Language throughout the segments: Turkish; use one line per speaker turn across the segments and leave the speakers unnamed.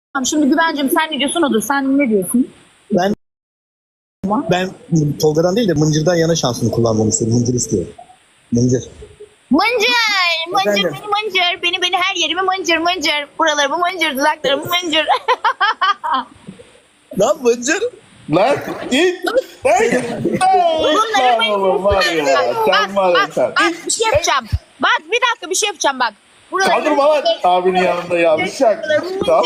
Şimdi Güvencim sen ne diyorsun odur. Sen ne diyorsun?
Ben Tolga'dan değil de Mıncır'dan yana şansını kullanmamı istiyorum. Mıncır istiyorum. Mıncır.
Mıncır. Mıncır
Efendim?
beni mıncır. Beni her yerimi mıncır mıncır. Buralarımı mıncır. Dudaklarımı mıncır.
Lan Mıncır.
Lan git.
Bunları
Lan oğlum var ya. Sen var ya sen.
Bak bir şey yapacağım. Bak bir dakika bir şey yapacağım bak. Buralarımı
Kaldırma lan abinin yanında yavşak. Tamam.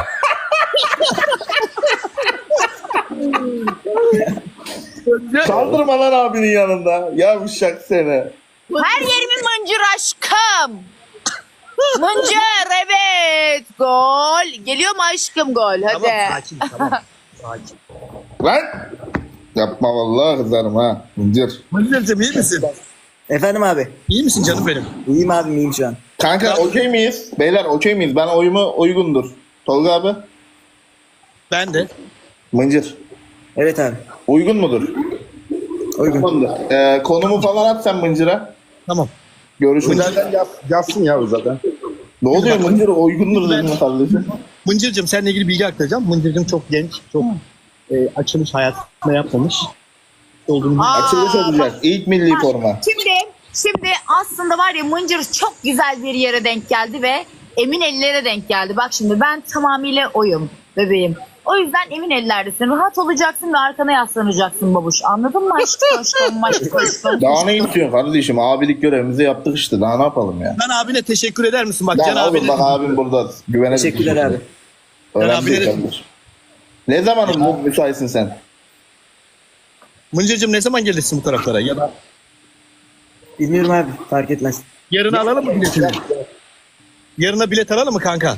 Kaldırma lan abinin yanında. Yavşak seni.
Her yerimi mıncır aşkım. Mıncır evet. Gol. Geliyor mu aşkım gol? Hadi.
Tamam sakin tamam. Sakin.
Lan. Yapma vallahi kızarım ha. Mıncır.
Mıncır'cığım iyi misin?
Efendim abi.
İyi misin canım benim?
İyiyim abim iyiyim şu an.
Kanka okey miyiz? Beyler okey miyiz? Ben oyumu uygundur. Tolga abi.
Ben de.
Mıncır.
Evet abi.
Uygun mudur?
Uygun.
Uygundur. Konumu falan at sen Mıncır'a.
Tamam.
Görüşürüz.
Zaten yazsın ya zaten.
Ne oluyor Mıncır? Uygundur dedim kardeşim.
Mıncır'cığım seninle ilgili bilgi aktaracağım. Mıncır'cığım çok genç, çok açılış hayatında yapmamış olduğunu
Açılış olacak. İlk milli forma.
Şimdi aslında var ya Mıncır çok güzel bir yere denk geldi ve emin ellere denk geldi. Bak şimdi ben tamamıyla oyum bebeğim. O yüzden emin ellerdesin. Rahat olacaksın ve arkana yaslanacaksın babuş. Anladın mı aşkım? Aşkım.
Daha ne istiyorsun kardeşim? Abilik görevimizi yaptık işte. Daha ne yapalım ya?
Ben abine teşekkür eder misin? Bak
Ya
Can
oğlum
abine.
bak abim burada. Güvene
Teşekkürler abi.
Önemli
Can
değil
abine-
kardeşim. Ne zaman bu müsaitsin sen?
Mıncır'cığım ne zaman gelirsin bu taraflara? Ya da
Bilmiyorum abi fark etmez.
yarın alalım mı biletini? Yarına bilet alalım mı kanka?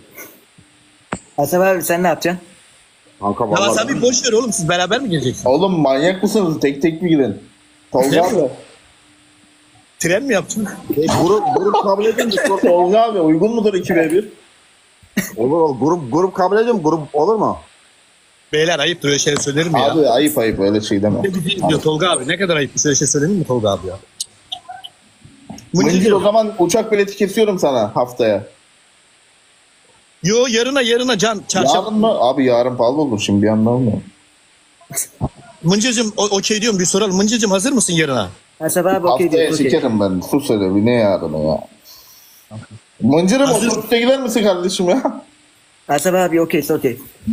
Asaf abi sen ne yapacaksın?
Kanka
Ya
vallahi.
sen bir boş ver oğlum siz beraber mi geleceksiniz?
Oğlum manyak mısınız? Tek tek mi gidin? Tolga
Ne?
abi.
Tren mi yaptın?
Grup kabul edin mi?
Tolga abi uygun mudur 2v1?
Olur. Grup kabul edin mi? Grup olur mu?
Beyler ayıptır öyle şeyler söylerim ya.
Abi ayıp ayıp öyle şey deme.
Ne bileyim diyor Tolga abi ne kadar ayıp bir şey söylenir mi Tolga abi ya?
Mıncır o
Mıncır'cığım.
zaman uçak bileti kesiyorum sana haftaya.
Yo yarına Can çarşamba.
Yarın mı? Abi yarın pahalı olur şimdi bir anda olmuyor.
Mıncır'cığım okey diyorum bir soralım. Mıncır'cığım hazır mısın yarına?
Asaf abi okey
Haftaya
diyor. Okey.
sikerim ben. Sus hele bir ne yarını ya. Mıncır'ım
Hazır-
otobüste gider misin kardeşim ya?
Asaf abi okeyse okey.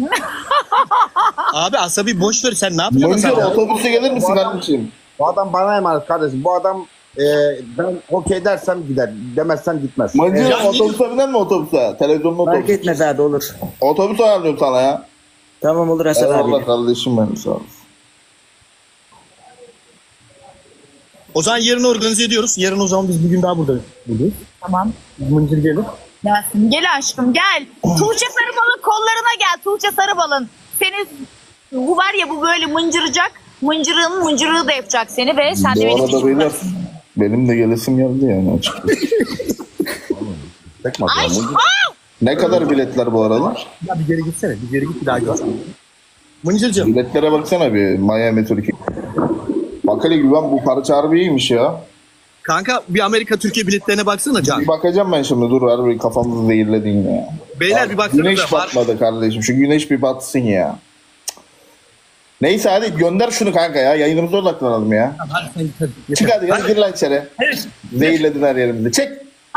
Abi asabi boş ver sen ne yapacaksın
Mıncır
sen ya?
otobüste gelir misin kardeşim?
Bu adam bana emanet kardeşim. Bu adam ben okey dersem gider. Demezsem gitmez.
Mıncır
Ya
otobüse biner mi otobüse? Televizyonlu
Fark
otobüs.
etmez abi olur.
Otobüs ayarlıyorum sana ya.
Tamam olur Asaf abi.
Eyvallah kardeşim benim sağ ol.
O zaman yarını organize ediyoruz. Yarın o zaman biz bir gün daha burada buradayız.
Tamam.
Mıncır gelir.
Gelsin. Gel aşkım gel. Tuğçe Sarıbal'ın kollarına gel. Tuğçe Sarıbal'ın. Seni bu var ya bu böyle mıncıracak. Mıncırığı da yapacak seni ve sen de
Bu
benim
arada
için
beyler benim de gelesim geldi yani açıkçası.
Tekme
Ay,
atıyor.
Ne kadar biletler bu aralar?
Ya bir geri gitsene. Bir geri git bir daha gör. Mıncır'cığım.
Biletlere baksana bir Miami Türkiye. Bak hele güven bu parça harbi iyiymiş ya.
Kanka bir Amerika Türkiye biletlerine baksana Can.
Bir bakacağım ben şimdi dur harbi kafamızı zehirledin yine ya.
Beyler bir baksanıza.
Güneş batmadı kardeşim şu güneş bir batsın ya. Neyse hadi gönder şunu kanka ya yayınımıza odaklanalım ya.
Hadi sen git hadi.
Çık hadi ya gir lan içeri.
Evet.
Zehirledin her yerimizi. Çek.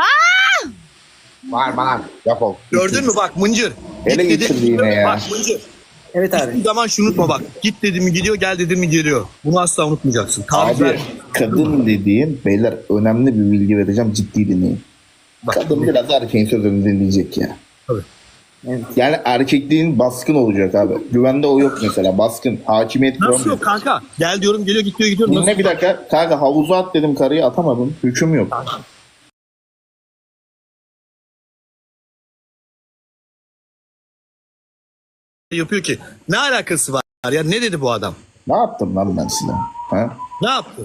Var bana. Defol.
Gördün mü bak Mıncır.
Ele
Git
getirdi
dedim,
yine ya.
Bak Mıncır.
Evet
Hiçbir
abi.
zaman şunu unutma bak. Git dedim mi gidiyor, gel dedim mi geliyor. Bunu asla unutmayacaksın. Taviz
Abi
ver.
kadın dediğin beyler önemli bir bilgi vereceğim ciddi dinleyin.
Bak,
Kadın biraz erkeğin sözünü dinleyecek ya.
Tabii.
Evet.
Yani erkekliğin baskın olacak abi. Güvende o yok mesela baskın. Hakimiyet
Nasıl
kuramıyor.
yok kanka? Gel diyorum geliyor gidiyor gidiyorum. Nasıl?
Dinle bir dakika. Kanka havuza at dedim karıyı atamadım. Hüküm yok.
Yapıyor ki? Ne alakası var ya? Ne dedi bu adam?
Ne yaptım lan ben size? Ha?
Ne yaptı?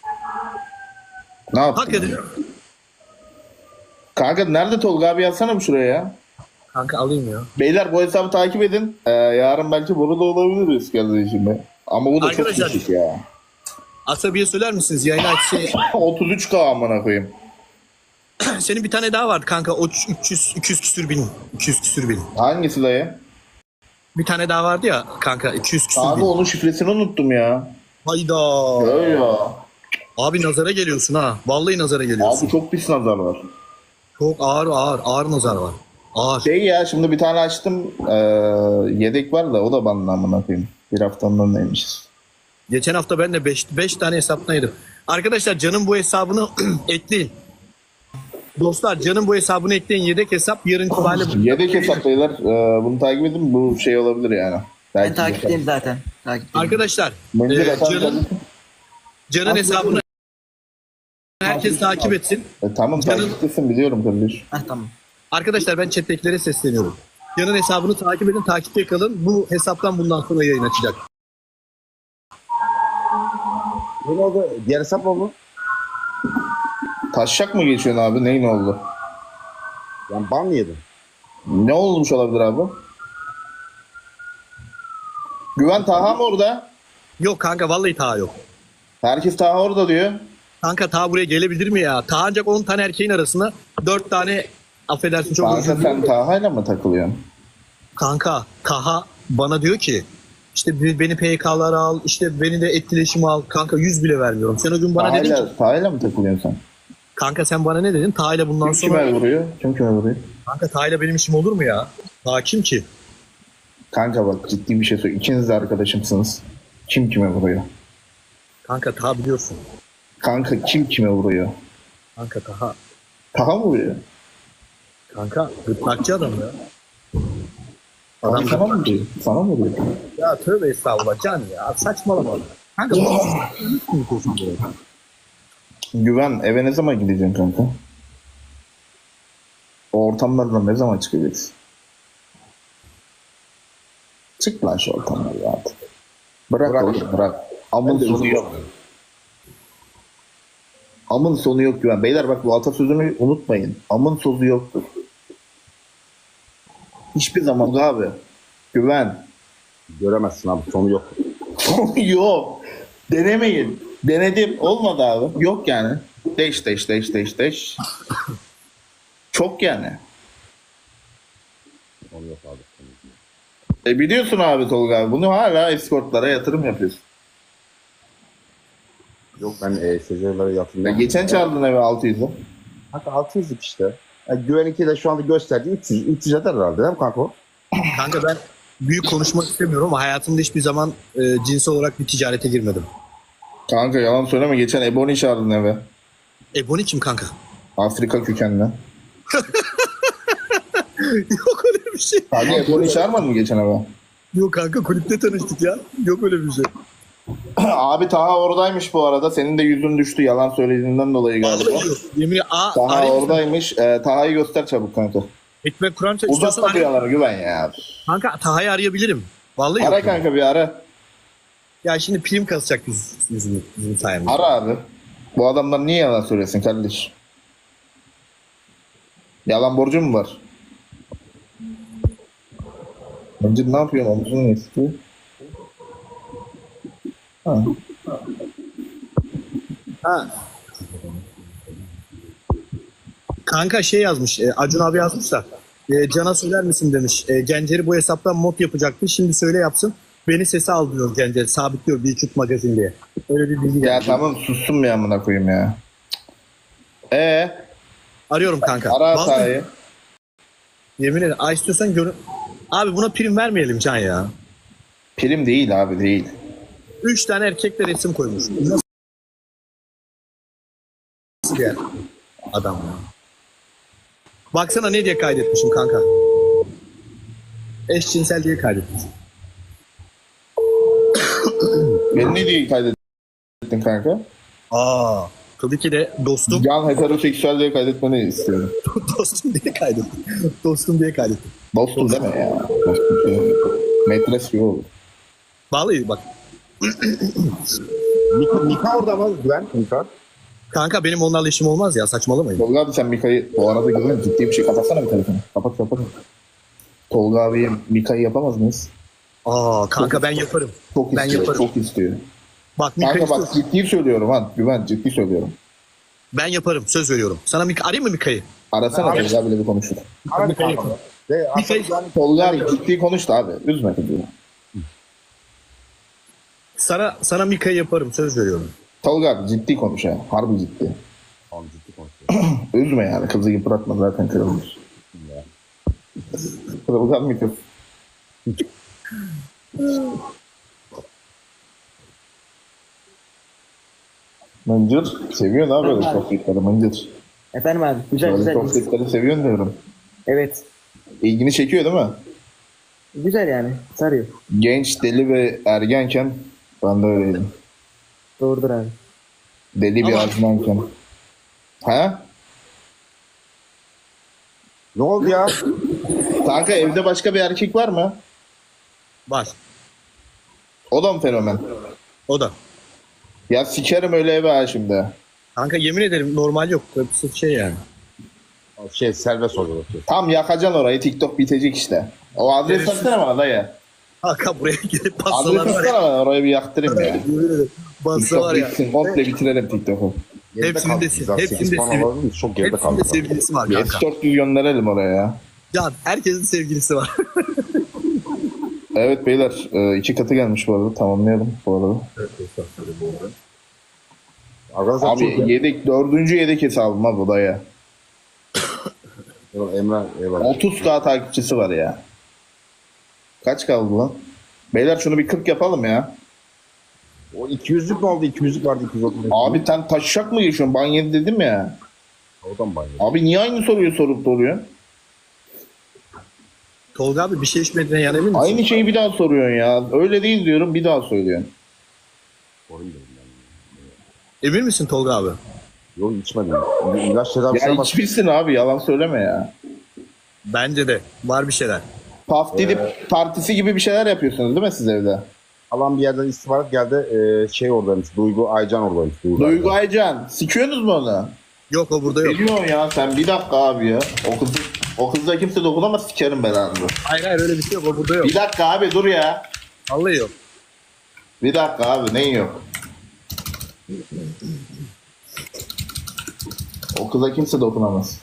Ne yaptım?
Hak ediyor.
Kanka nerede Tolga abi yazsana bir şuraya ya.
Kanka alayım ya.
Beyler bu hesabı takip edin. Yarın belki burada olabiliriz kardeşim. Ama bu da
Arkadaşlar-
çok küçük ya.
Asabiye söyler misiniz? Yayın açsın.
33K amına koyayım.
senin bir tane daha vardı kanka. O 200 küsür bin. 200 küsür bin.
Hangisi dayı?
Bir tane daha vardı ya kanka 200 küsür
Abi
bin.
onun şifresini unuttum ya.
Hayda.
Öyle ya.
Abi nazara geliyorsun ha. Vallahi nazara geliyorsun.
Abi çok pis nazar var.
Çok ağır nazar var. Ağır.
Şey ya şimdi bir tane açtım. Yedek var da o da bana amına koyayım. Bir haftanın neymişiz.
Geçen hafta ben de 5 tane hesaplaydım. Arkadaşlar Can'ın bu hesabını ekleyin. Dostlar Can'ın bu hesabını ekleyin. Yedek hesap yarın itibariyle.
Yedek hesaplayılar. Bunu takip edin. Bu şey olabilir yani.
Ben takipteyim zaten. Takipteyim.
Arkadaşlar
Mıncır efendim.
Can'ın hesabını herkes takip etsin.
Tamam takiptesin biliyorum kardeş.
Tamam.
Arkadaşlar ben chat'tekilere sesleniyorum. Can'ın hesabını takip edin, takipte kalın. Bu hesaptan bundan sonra yayın açacak.
Ne oldu? Diğer hesap mı oldu?
Taşşak mı geçiyorsun abi? Neyin oldu?
Yani ban mı yedin?
Ne olmuş olabilir abi? Güven Taha mı orada?
Yok kanka vallahi Taha yok.
Herkes Taha orada diyor.
Kanka Taha buraya gelebilir mi ya? Taha ancak 10 tane erkeğin arasında 4 tane affedersin çok
Kanka
özür
sen Taha'yla mı takılıyorsun?
Kanka Taha bana diyor ki işte beni PK'lara al, işte beni de etkileşime al. Kanka 100 bile vermiyorum. Sen o gün bana dedin ki
Taha'yla mı takılıyorsun sen?
kanka sen bana ne dedin? Taha'yla bundan
Kim
sonra...
kime vuruyor? Kim kime vuruyor?
Kanka Taha'yla benim işim olur mu ya? Taha kim ki?
Kanka bak ciddi bir şey söyle. İkiniz de arkadaşımsınız. Kim kime vuruyor?
Kanka Taha biliyorsun.
Kanka kim kime vuruyor?
Kanka Taha.
Taha mı vuruyor?
Kanka gırtlakçı adam ya.
Adam
Adam
sana mı vuruyor? Sana mı vuruyor?
ya tövbe estağfurullah Can ya saçmalama. Kanka
Güven eve ne zaman gideceksin kanka? O ortamlardan ne zaman çıkacaksın? Çık lan şu ortamları artık. Bırak oğlum bırak. Amın sonu yok. Amın sonu yok Güven. Beyler bak bu atasözünü unutmayın. Amın sonu yoktur. Hiçbir zaman abi. Güven.
Göremezsin abi. Sonu yok.
Sonu yok. Denemeyin. Denedim. Olmadı abi. Yok yani. Deş. Çok yani.
Sonu yok abi.
Biliyorsun abi Tolga abi. Bunu hala eskortlara yatırım yapıyorsun.
Yok ben seyircilere
Ya
yatırım.
geçen çaldın eve 600'ü.
Hatta 600'lük işte. Yani Güven'inki de şu anda gösterdiği 300 eder herhalde değil mi kanka o?
kanka ben büyük konuşmak istemiyorum ama hayatımda hiçbir zaman cinsel olarak bir ticarete girmedim.
Kanka yalan söyleme. Geçen Ebony çağırdın eve.
Ebony kim kanka?
Afrika kökenli.
Yok öyle bir şey.
Kanka Ebony çağırmadın mı geçen eve?
Yok kanka kulüpte tanıştık ya. Yok öyle bir şey.
Abi Taha oradaymış bu arada. Senin de yüzün düştü yalan söylediğinden dolayı galiba.
Yemin
Taha
arayayım.
oradaymış. Taha'yı göster çabuk kanka.
Ekmek Kur'an istiyorsan
Uzatma bir yalanı Güven ya.
kanka Taha'yı arayabilirim. Vallahi
Ara
yok.
kanka bir ara.
Ya şimdi prim kasacak bizim sayemizde.
Ara abi. Bu adamlar niye yalan söylesin kardeş? Yalan borcu mu var? Bence ne yapıyorsun? Omzunu ne istiyor?
Ha. Kanka şey yazmış, Acun abi yazmış da Can'a söyler misin demiş. Gencer'i bu hesaptan mod yapacaktı. Şimdi söyle yapsın. Beni sese al diyor Gencer. Sabitliyor bir çut magazin diye. Öyle bir bilgi
Ya
geldi.
tamam sussun bir amına koyayım ya.
Arıyorum kanka.
Ara
Vallahi
Taha'yı.
yemin ederim. İstiyorsan görün. Abi buna prim vermeyelim Can ya.
Prim değil abi değil.
3 tane erkekle resim koymuş. Nasıl bir adam ya? Baksana ne diye kaydetmişim kanka. Eşcinsel diye kaydetmişim.
Beni ne diye kaydettin kanka?
Tabii ki de dostum.
Can heteroseksüel diye kaydetmeni istiyorum.
Dostum diye kaydettim. Dostum diye kaydettim.
Dostum deme ya. Dostum şey. Metres gibi olur.
Vallahi bak.
Mika orada mı Güven? Mika.
Kanka benim onlarla işim olmaz ya saçmalamayın.
Tolga abi sen Mika'yı bu arada güzel ciddi bir şey kapatsana bir telefonu. Kapat. Tolga abiye Mika'yı yapamaz mıyız?
Kanka ben yaparım.
Çok
Ben
istiyor.
yaparım.
Çok istiyor.
Bak Mika
Kanka bak
istiyorsun.
ciddi söylüyorum ha. Güven ciddi söylüyorum.
Ben yaparım. Söz veriyorum. Sana arayayım mı Mika'yı?
Arasana Tolga abiyle bir konuşur.
Hadi
Mika'yı
kanka.
yapalım.
Aslında yani
Tolga abi ciddi konuştu abi. Üzme kızı.
Sana Mika'yı yaparım. Söz veriyorum.
Tolga abi ciddi konuş ya. Harbi ciddi.
Tamam, ciddi konuşuyorum.
Üzme yani. Kızı yıpratma zaten kırılmış. Kırılgan mı kız? Mıncır. Seviyorsun abi böyle sohbetleri Mıncır.
Efendim abi. Güzel
Böyle
güzel.
sohbetleri seviyorsun diyorum.
Evet.
İlgini çekiyor değil mi?
Güzel yani. Sarıyor.
Genç, deli ve ergenken ben de öyleydim.
Doğrudur abi.
Deli bir azmanken. Ha?
Ne oldu ya?
Kanka evde başka bir erkek var mı?
Var.
O da mı fenomen?
O da.
Ya sikerim öyle eve ha şimdi.
Kanka yemin ederim normal yok. Sırf şey yani.
Serbest oluyor.
Tam yakacaksın orayı, TikTok bitecek işte. O adres atsana bana dayı.
Kanka buraya gidip
Adres
bassalar var ya.
atsana bana, orayı bir yaktırayım ya.
Yemin ederim. Bassa
TikTok
var ya.
bitsin, komple bitirelim TikTok'u.
Hepsinde
Çok geride kaldı.
hepsinde sevgilisi var
Bir
kanka.
S400 gönderelim oraya ya.
Can herkesin sevgilisi var.
Evet beyler, 2 katı gelmiş bu arada, tamamlayalım bu arada.
Arkadaşlar çok
Abi yedek, 4. yedek hesabım abi bu dayı.
Emre eyvallah.
30k takipçisi var ya. Kaç kaldı lan? Beyler şunu bir 40 yapalım ya.
O 200'lük mü oldu? 200'lük vardı 230.
Abi sen taşacak mı geçiyorsun? Ben yedi dedim ya.
Oradan banyo.
Abi niye aynı soruyu sorup duruyorsun?
Tolga abi bir şey içmediğine yan emin misin?
Aynı şeyi bir daha soruyorsun ya. Öyle değil diyorum, bir daha söylüyorsun.
Emin misin Tolga abi?
Yok içmedim. İlaç tedavisine
Ya
bak.
içmişsin abi, yalan söyleme ya.
Bence de. Var bir şeyler.
Paf Didip partisi gibi bir şeyler yapıyorsunuz değil mi siz evde?
Alan bir yerden istihbarat geldi. Şey oradaymış. Duygu Aycan oradaymış.
Duygu Aycan, sikiyorsunuz mu onu?
Yok o burada yok.
Ne diyorsun ya sen, bir dakika abi ya. O kızla kimse dokunamaz, sikerim belanı.
Hayır hayır öyle bir şey yok o burada yok.
Bir dakika abi dur ya.
Vallahi yok.
Bir dakika abi, neyin yok? O kıza kimse dokunamaz.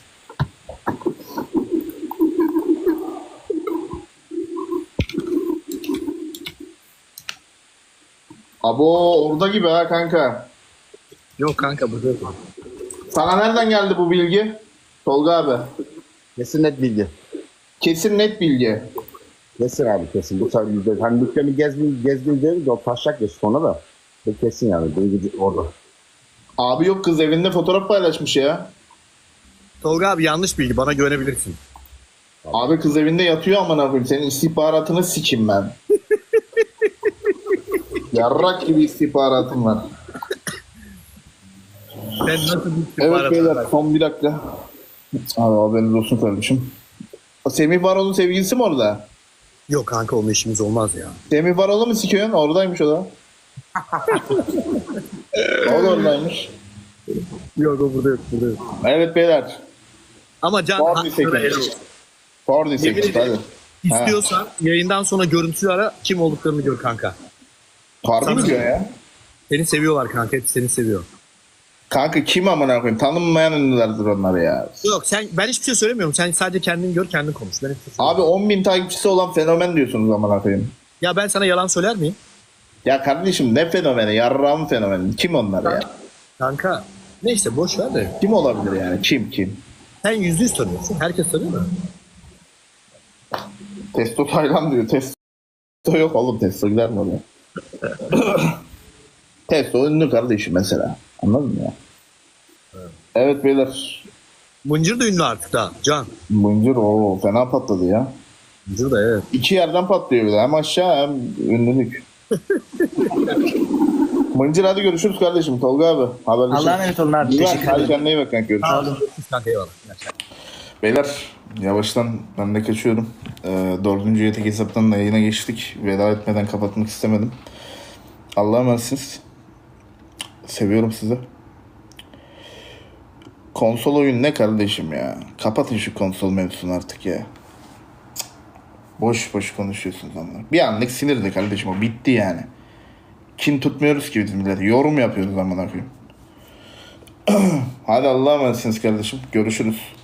Abo orada gibi ha kanka.
Yok kanka burada yok.
Sana nereden geldi bu bilgi? Tolga abi.
Kesin net bilgi.
Kesin net bilgi.
Kesin abi kesin. Bu sefer yüzde. Hani dükkanı gezgin değil de o taşacak ya sonra da. Kesin yani. Duygu orada.
Abi yok, kız evinde fotoğraf paylaşmış ya.
Tolga abi yanlış bilgi bana güvenebilirsin.
Abi kız evinde yatıyor, aman koyayım. Senin istihbaratını sikim ben. Yarrak gibi istihbaratım var.
Sen nasıl bir
Evet
istihbarat
beyler,
var?
son bir dakika. Abi haberiniz olsun kardeşim. O Semih Varol'un sevgilisi mi orada?
Yok kanka onunla işimiz olmaz ya.
Semih Varol'u mu sikiyorsun? Oradaymış o da. O da oradaymış.
Yok o burada yok burada yok.
Evet beyler.
Ama Can
Var bir
hakkında
sekiz.
helal olsun.
Fordi
Yemin
8
ederim.
hadi.
İstiyorsan yayından sonra görüntülü ara kim olduklarını gör kanka.
Harbi mi diyor ya?
Seni seviyorlar kanka hepsi seni seviyor.
Kanka kim amına koyayım? Tanınmayan ünlülerdir onlar ya.
Yok ben hiçbir şey söylemiyorum. Sen sadece kendin gör kendin konuş. Ben hiçbir şey
Abi 10.000 takipçisi olan fenomen diyorsunuz amına koyayım.
Ya ben sana yalan söyler miyim?
Ya kardeşim ne fenomeni? Yarrağın fenomeni. Kim onlar ya?
Kanka neyse boş ver de.
Kim olabilir yani? Kim?
Sen %100 tanıyorsun. Herkes tanıyor mu?
Testo Taylan diyor. Testo yok oğlum. Testo gider mi oraya? Testo ünlü kardeşim mesela. Anladın mı ya? Evet beyler.
Mıncır da ünlü artık da Can.
Mıncır o fena patladı ya.
Mıncır da evet.
2 yerden patlıyor bir de. Hem aşağı hem ünlülük. Mıncır hadi görüşürüz kardeşim. Tolga abi. Haberleşiriz.
Allah'a emanet olun abi.
İyi bak,
Teşekkür
hadi
ederim.
kendine iyi bak kanka. Görüşürüz.
Sağ olun. Kanka eyvallah.
Beyler yavaştan ben de kaçıyorum. 4. yetek hesaptan da yayına geçtik. Veda etmeden kapatmak istemedim. Allah'a emanetsiniz. Seviyorum sizi. Konsol oyun ne kardeşim ya? Kapatın şu konsol mevzusunu artık ya. Cık. Boş boş konuşuyorsunuz ama. Bir anlık sinirdi kardeşim, o bitti yani. Kin tutmuyoruz ki biz millete. Yorum yapıyoruz amına koyayım. Hadi Allah'a emanetsiniz kardeşim. Görüşürüz.